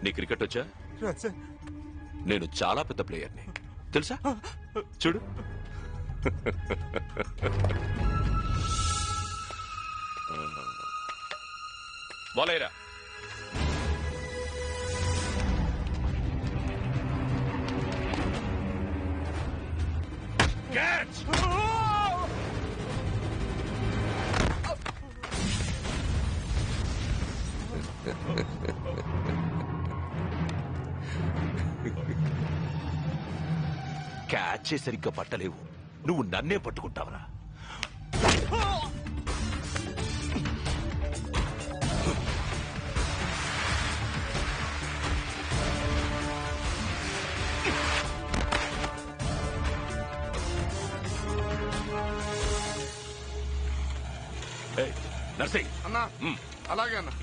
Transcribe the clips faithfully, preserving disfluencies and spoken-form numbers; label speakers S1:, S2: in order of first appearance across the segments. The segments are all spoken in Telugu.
S1: నీ క్రికెట్ వచ్చా? నేను చాలా పెద్ద ప్లేయర్ని తెలుసా? చూడు. బాలేరా క్యాచ్. క్యాచ్ సరిగ్గా పట్టలేవు, నువ్వు నన్నే పట్టుకుంటావరా? నర్సింగ్
S2: అన్నా. అలాగే అన్నా.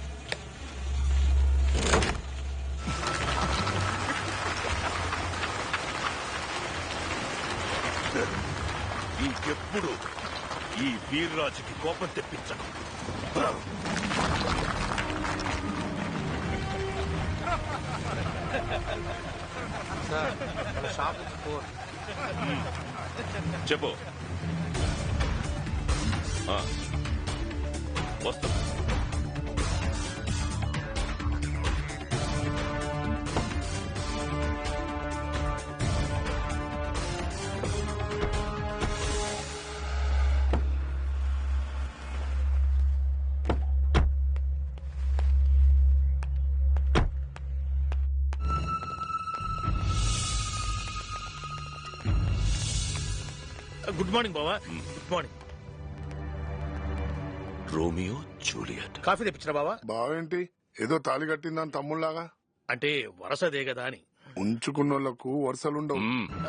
S1: ఇంకెప్పుడు ఈ వీర్రాజుకి కోపం తెప్పించను. చెప్పు. వస్తా.
S3: గుడ్ మార్నింగ్ బావా. Good morning.
S1: Romeo Juliet.
S3: Coffee తెప్పించరా బావా?
S2: బావేంటి ఏదో తాళి కట్టిందని తమ్ముళ్లాగా?
S3: అంటే వరసదే కదా అని.
S2: ఉంచుకున్నోళ్లకు వరుసలుండవు.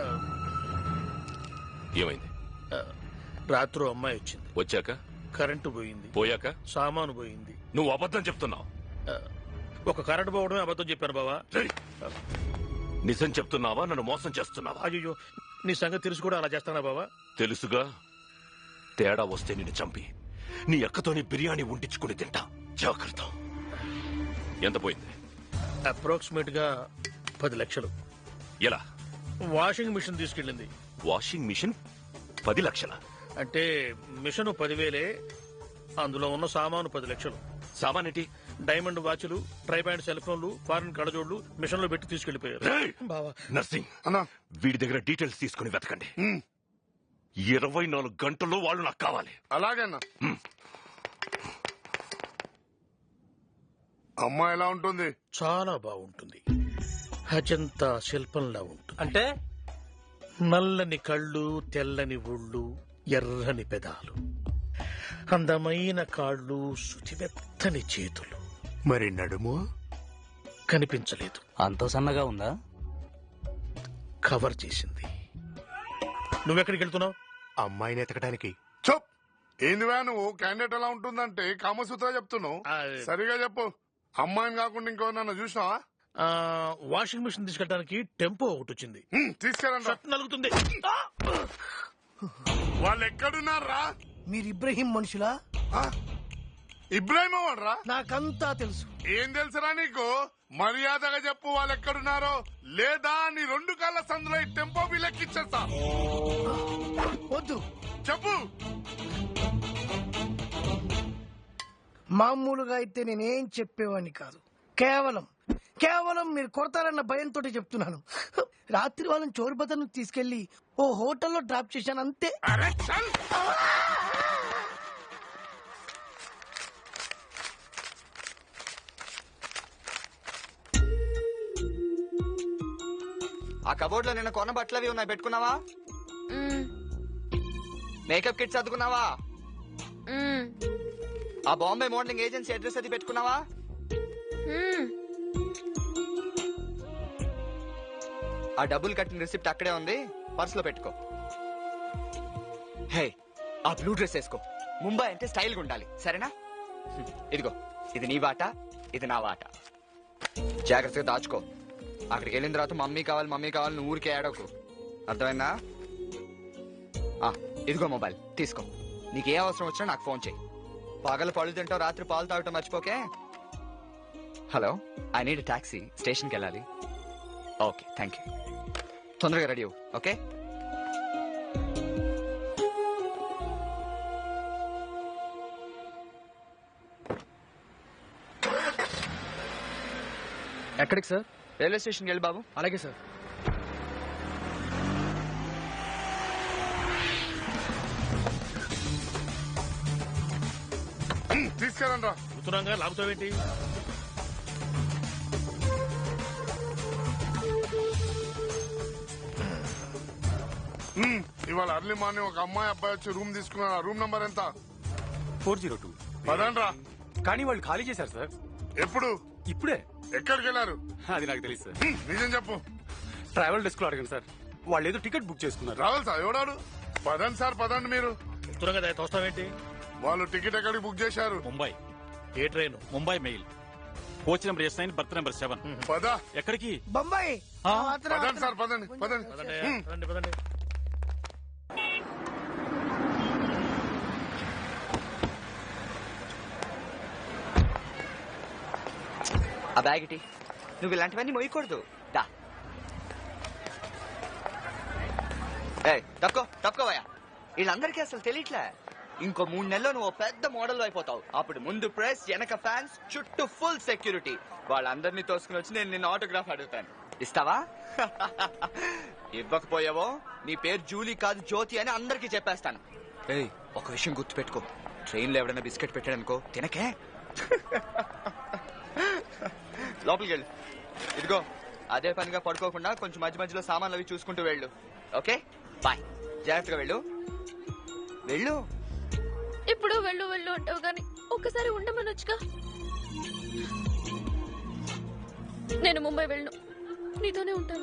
S1: ఏమైంది?
S3: రాత్రి అమ్మాయి వచ్చింది.
S1: వచ్చాక
S3: కరెంటు పోయింది.
S1: పోయాక
S3: సామాను పోయింది.
S1: నువ్వు అబద్ధం చెప్తున్నావు.
S3: ఒక కరెంటు పోవడమే అబద్ధం చెప్పాను బావా.
S1: నిజం చెప్తున్నావా? నన్ను మోసం చేస్తున్నావా?
S3: అయ్యో, నీ సంగతి తెలుసు కూడా అలా చేస్తానా బావా?
S1: తెలుసుగా. తేడా వస్తే నిన్ను చంపి నీ అక్కతోని బిర్యానీ ఉండించుకుని తింటా. జాగ్రత్త. ఎంత పోయింది?
S3: అప్రాక్సిమేట్ గా పది లక్షలు.
S1: ఎలా?
S3: వాషింగ్ మిషన్ తీసుకెళ్ళింది.
S1: వాషింగ్ మిషన్ పది లక్షల?
S3: అంటే మిషన్ పదివేలే, అందులో ఉన్న సామాను పది లక్షలు.
S1: సామాన్ ఏంటి?
S3: డైమండ్ వాచ్లు, ట్రై ప్యాంట్ సెల్ ఫోన్లు, ఫారెన్ కడజోళ్లు మిషన్ లో పెట్టి తీసుకెళ్లిపోయారు. బావా.
S1: నర్సింగ్
S2: అన్నా,
S1: వీడి దగ్గర డీటెయిల్స్ తీసుకుని వెతకండి. ఇరవై నాలుగు గంటల్లో వాళ్ళు నాకు కావాలి.
S2: అలాగే అన్నా. అమ్మ ఎలా ఉంటుంది?
S3: చాలా బాగుంటుంది. అజంతా శిల్పంలా ఉంటుంది.
S4: అంటే
S3: నల్లని కళ్ళు, తెల్లని ఒళ్ళు, ఎర్రని పెదాలు, అందమైన కాళ్ళు, శుతిమెత్తని చేతులు.
S4: మరి నడుము
S3: కనిపించలేదు.
S4: అంత సన్నగా ఉందా?
S3: కవర్ చేసింది. నువ్వెక్కడికి వెళ్తున్నావు?
S4: అమ్మాయిని ఎతకడానికి.
S2: చప్. ఏందివా నువ్వు? క్యాండిడేట్ ఎలా ఉంటుందంటే కామసూత్ర చెప్తున్నావు. సరిగా చెప్పు. అమ్మాయిని కాకుండా ఇంకో నన్ను చూసినావా?
S3: వాషింగ్ మిషన్ తీసుకెళ్ళడానికి టెంపో ఒకటి వచ్చింది.
S2: తీసుకెళ్ళండి.
S3: నలుగుతుంది.
S2: వాళ్ళు ఎక్కడున్నారా?
S5: మీరు ఇబ్రహీం మనుషులా?
S2: ఇబ్రాహిం వాడరా?
S5: నాకంతా తెలుసు.
S2: ఏం తెలుసురా నీకు? మర్యాదగా చెప్పు వాళ్ళు ఎక్కడున్నారో, లేదా నీ రెండు కాళ్ళ సందులో ఈ టెంపో బిల్లెక్కిచ్చేస్తా.
S5: వద్దు,
S2: చెప్పు.
S5: మామూలుగా అయితే నేనేం చెప్పేవాడిని కాదు. కేవలం కేవలం మీరు కొడతారన్న భయంతో చెప్తున్నాను. రాత్రి వాళ్ళని చోరుబతను తీసుకెళ్లి ఓ హోటల్లో డ్రాప్ చేశాను, అంతే.
S2: అరే చల్.
S6: ఆ కబోర్డ్ లో నిన్న కొన్న బట్టలు అవి ఉన్నాయి, పెట్టుకున్నావా? మేకప్ కిట్స్ అద్దుకున్నావా? ఆ బాంబే మోడలింగ్ ఏజెన్సీ అడ్రస్ అది పెట్టుకున్నావా? ఆ డబ్బులు కట్టిన రిసిప్ట్ అక్కడే ఉంది, పర్సులో పెట్టుకో. హే, ఆ బ్లూ డ్రెస్ వేసుకో. ముంబై అంటే స్టైల్ గా ఉండాలి, సరేనా? ఇదిగో, ఇది నీ వాట, ఇది నా వాట. జాగ్రత్తగా దాచుకో. అక్కడికి వెళ్ళిన తర్వాత మమ్మీ కావాలి మమ్మీ కావాలి నువ్వు ఊరికే ఏడవకు, అర్థమైందా? ఇదిగో మొబైల్ తీసుకో. నీకే అవసరం వచ్చినా నాకు ఫోన్ చేయి. పగలు పళ్ళు తింటావు, రాత్రి పాలు తాగటం మర్చిపోకే. హలో, ఐ నీడ్ టాక్సీ, స్టేషన్కి వెళ్ళాలి. Okay, thank you. తొందరగా రెడీ అవ్వు. ఓకే.
S7: ఎక్కడికి సార్?
S6: రైల్వే స్టేషన్కి వెళ్ళి బాబు.
S7: అలాగే సార్.
S2: తీసుకెళ్ళండి రా.
S3: కూతురంగా లాగుతావేంటి?
S2: ఉమ్, ఇవాళ అర్లీ మార్నింగ్ ఒక అమ్మాయి అబ్బాయి వచ్చి రూమ్ తీసుకున్నారు. ఆ రూమ్ నంబర్ ఎంత?
S4: Four zero two.
S2: పదండి రా.
S4: కానీ వాళ్ళు ఖాళీ చేశారు సార్.
S2: ఎప్పుడు?
S4: ఇప్పుడే.
S2: ఎక్కడికి వెళ్ళారు?
S4: అది నాకు తెలియదు సార్.
S2: ఉమ్, నిజం చెప్పు.
S4: ట్రావెల్ డెస్క్ లో అడగండి సార్. వాళ్ళు ఏదో టికెట్ బుక్ చేసుకున్నారు.
S2: రావాలి సార్. ఎవడాడు? పదండి సార్, పదండి మీరు.
S3: కూతురంగా తోస్తావేంటి?
S2: వాళ్ళు టికెట్ ఎక్కడికి బుక్ చేశారు?
S8: ముంబై.
S3: ఏ train?
S8: Mumbai mail. Coach number S nine, berth number seven.
S2: పద.
S8: ఎక్కడికి?
S5: బొంబాయి.
S8: ఆ,
S5: ఆత్ర,
S2: పదండి
S5: ఆత్ర.
S2: సార్, పదండి పదండి.
S3: పదండి,
S2: ఉమ్.
S3: పదండి, పదండి.
S6: ఆ బ్యాగ్ ఇటీ. నువ్వు ఇలాంటివన్నీ మోయకూడదు. దా. ఏయ్, తప్పుకో తప్పుకోవయ్యా. వీళ్ళందరికీ అసలు తెలియట్లే. ఇంకో మూడు నెలల్లో నువ్వు ఓ పెద్ద మోడల్ అయిపోతావు. అప్పుడు ముందు ప్రెస్, వెనక ఫ్యాన్స్, చుట్టూ ఫుల్ సెక్యూరిటీ. వాళ్ళందరినీ తోసుకుని వచ్చి నేను నిన్న ఆటోగ్రాఫ్ అడుగుతాను. ఇస్తావా? ఇవ్వకపోయావో నీ పేరు జూలీ కాదు జ్యోతి అని అందరికీ చెప్పేస్తాను. ఏయ్, ఒక విషయం గుర్తుపెట్టుకో. ట్రైన్లో ఎవడైనా బిస్కెట్ పెట్టాడనుకో తినకే. లోపలికి వెళ్ళు. ఇదిగో, అదే పనిగా పడుకోకుండా కొంచెం మధ్య మధ్యలో సామాన్లు అవి చూసుకుంటూ వెళ్ళు. Okay, bye. జాగ్రత్తగా వెళ్ళు. వెళ్ళు.
S9: ఇప్పుడు వెళ్ళు వెళ్ళు అంటావు గాని ఒక్కసారి ఉండమనొచ్చుగా. నేను ముంబై వెళ్ళను, నీతోనే ఉంటాను.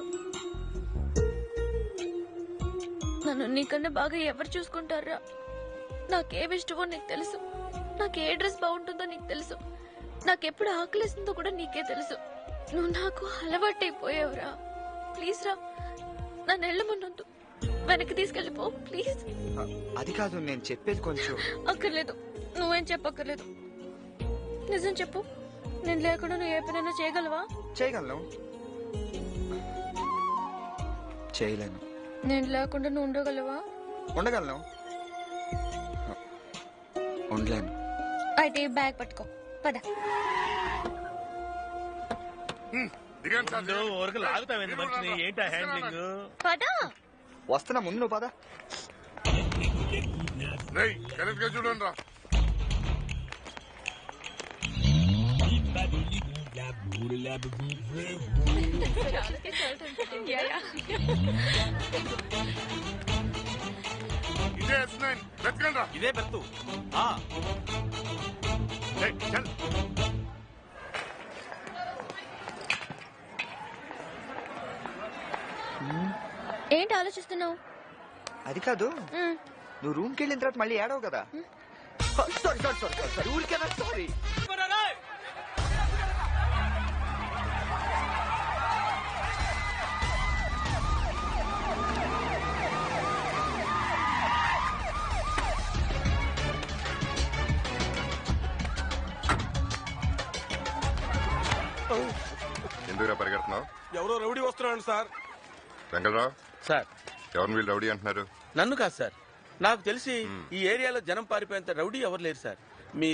S9: నన్ను నీకన్నా బాగా ఎవరు చూసుకుంటారా? నాకేం ఇష్టమో నీకు తెలుసు, నాకు ఏ డ్రెస్ బాగుంటుందో నీకు తెలుసు, నాకెప్పుడు ఆకలిస్తుందో కూడా నీకే తెలుసు. నువ్వు నాకు అలవాటైపోయావురా. ప్లీజ్ రా, నన్ను వెళ్ళమన్నొద్దు. వెనక్కి తీసుకెళ్ళిపో ప్లీజ్.
S6: అది కాదు నేను చెప్పేది కొంచెం.
S9: అక్కర్లేదు, నువ్వేం చెప్పక్కర్లేదు. నిజం చెప్పు, నేను లేకుండా నువ్వు ఏ పనైనా చేయగలవా?
S6: చేయగలను. చేయలేను.
S9: నేను లేకుండా నువ్వు ఉండగలవా?
S6: ఉండగలను. ఉండలేను.
S9: అయితే ఈ బ్యాగ్ పట్టుకో, పద.
S2: ఉమ్, దిగండి సార్,
S3: ముందు
S2: దిగండి.
S3: వరకు లాగుతావేంటి మనిషిని? ఏంటి ఆ హ్యాండ్లింగ్?
S9: పద.
S6: వస్తున్నా, ముందు నువ్వు పద.
S2: రేయ్, కరెక్ట్ గా చూడండి రా. ఇదే ఎస్ నైన్. వెతకండి రా.
S8: ఇదే బెర్తు. ఆ,
S2: రేయ్, చల్.
S9: ఏంటి ఆలోచిస్తున్నావు?
S6: అది కాదు, నువ్వు రూమ్కి వెళ్ళిన తర్వాత మళ్ళీ ఏడవు కదా. సారీ సారీ సారీ సారీ ఊరికేనా? సారీ.
S10: ఎందుకురా పరిగెడుతున్నావు?
S11: ఎవరో రౌడీ వస్తున్నాడు సార్.
S10: వెంకటరావు,
S3: సార్,
S10: ఎవరిని వీళ్ళు రౌడీ అంటున్నారు?
S11: నన్ను కాదు సార్, నాకు తెలిసి ఈ ఏరియాలో జనం పారిపోయేంత రౌడీ ఎవరు లేరు సార్. మీ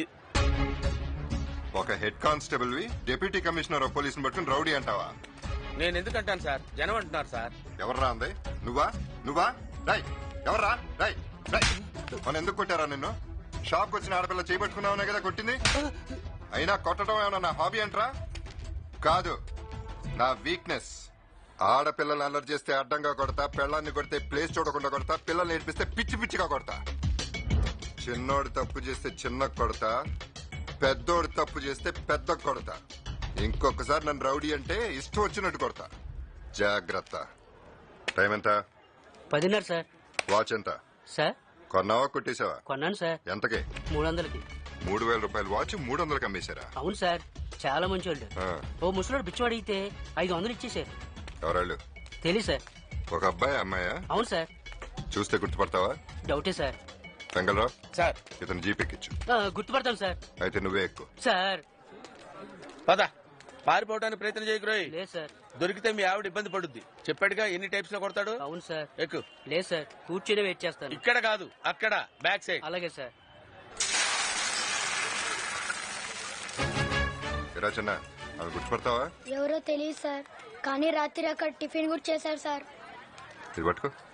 S10: ఒక హెడ్ కానిస్టేబుల్ వి డిప్యూటీ కమిషనర్ ఆఫ్ పోలీసుని పట్టుకుని రౌడీ అంటావా?
S11: నేను ఎందుకంటాను సార్, జనం అంటున్నారు సార్.
S10: ఎవర్రా అంది? నువ్వా? నువ్వా? రై, ఎవర్రా? రై, రై. మన ఎందుకు కొట్టారా నిన్ను? షాప్ వచ్చిన ఆడపిల్ల చేపట్టుకున్నావునే కదా కొట్టింది. అయినా కొట్టడం ఏమన్నా నా హాబీ అంటరా? కాదు, నా వీక్నెస్. ఆడపిల్లలు అల్లరి చేస్తే అడ్డంగా కొడతా, పెళ్ళాన్ని కొడితే ప్లేస్ చూడకుండా కొడతా, పిల్లల్ని నేర్పిస్తే పిచ్చి పిచ్చిగా కొడతా. చిన్నోడు తప్పు చేస్తే చిన్న కొడతా, పెద్దోడు తప్పు చేస్తే పెద్ద కొడతా. ఇంకొకసారి నన్ను రౌడీ అంటే ఇష్టం వచ్చినట్టు కొడతా. జాగ్రత్త. టైం ఎంత?
S7: పదిన్నర సార్.
S10: వాచ్ ఎంత?
S7: సార్
S10: కొన్నావా కొట్టేశావా?
S7: కొన్నాను సార్.
S10: ఎంతకి?
S7: మూడు వందలకి.
S10: మూడు వేల రూపాయలు వాచ్ మూడు వందలకి అమ్మేశారా?
S7: అవును సార్, చాలా మంచి వాళ్ళు.
S10: ఆ,
S7: ఓ ముసలోడు బిచ్చం అడిగితే ఐదు వందలు ఇచ్చేసారు.
S10: ఎవరాళ్ళు?
S7: తెలియదు సార్.
S10: ఒక అబ్బాయి అమ్మాయా?
S7: అవును సార్.
S10: చూస్తే గుర్తుపడతావా?
S7: డౌటే సార్.
S10: వెంగళరావు,
S11: సార్
S10: ఇతను జీప్ ఎక్కించు.
S7: ఆ, గుర్తుపడతాం సార్.
S10: అయితే నువ్వే ఎక్కువ.
S7: సార్
S11: పద. పారిపోవడానికి ప్రయత్నం చేయకురోయ్.
S7: లేదు సార్.
S11: దొరికితే మీ ఆవిడ ఇబ్బంది పడుద్ది. చెప్పాడుగా ఎన్ని టైప్స్ లో కొడతాడు.
S7: అవును సార్.
S11: ఎక్కు.
S7: లేదు సార్, కూర్చొని వెయిట్ చేస్తాను.
S11: ఇక్కడ కాదు, అక్కడ బ్యాక్ సైడ్.
S7: అలాగే సార్.
S10: చిన్న అవి గుర్తుపడతావా?
S12: ఎవరో తెలియదు సార్, కానీ రాత్రి అక్కడ టిఫిన్ కూడా చేశారు సార్.
S10: ఇది పట్టుకో.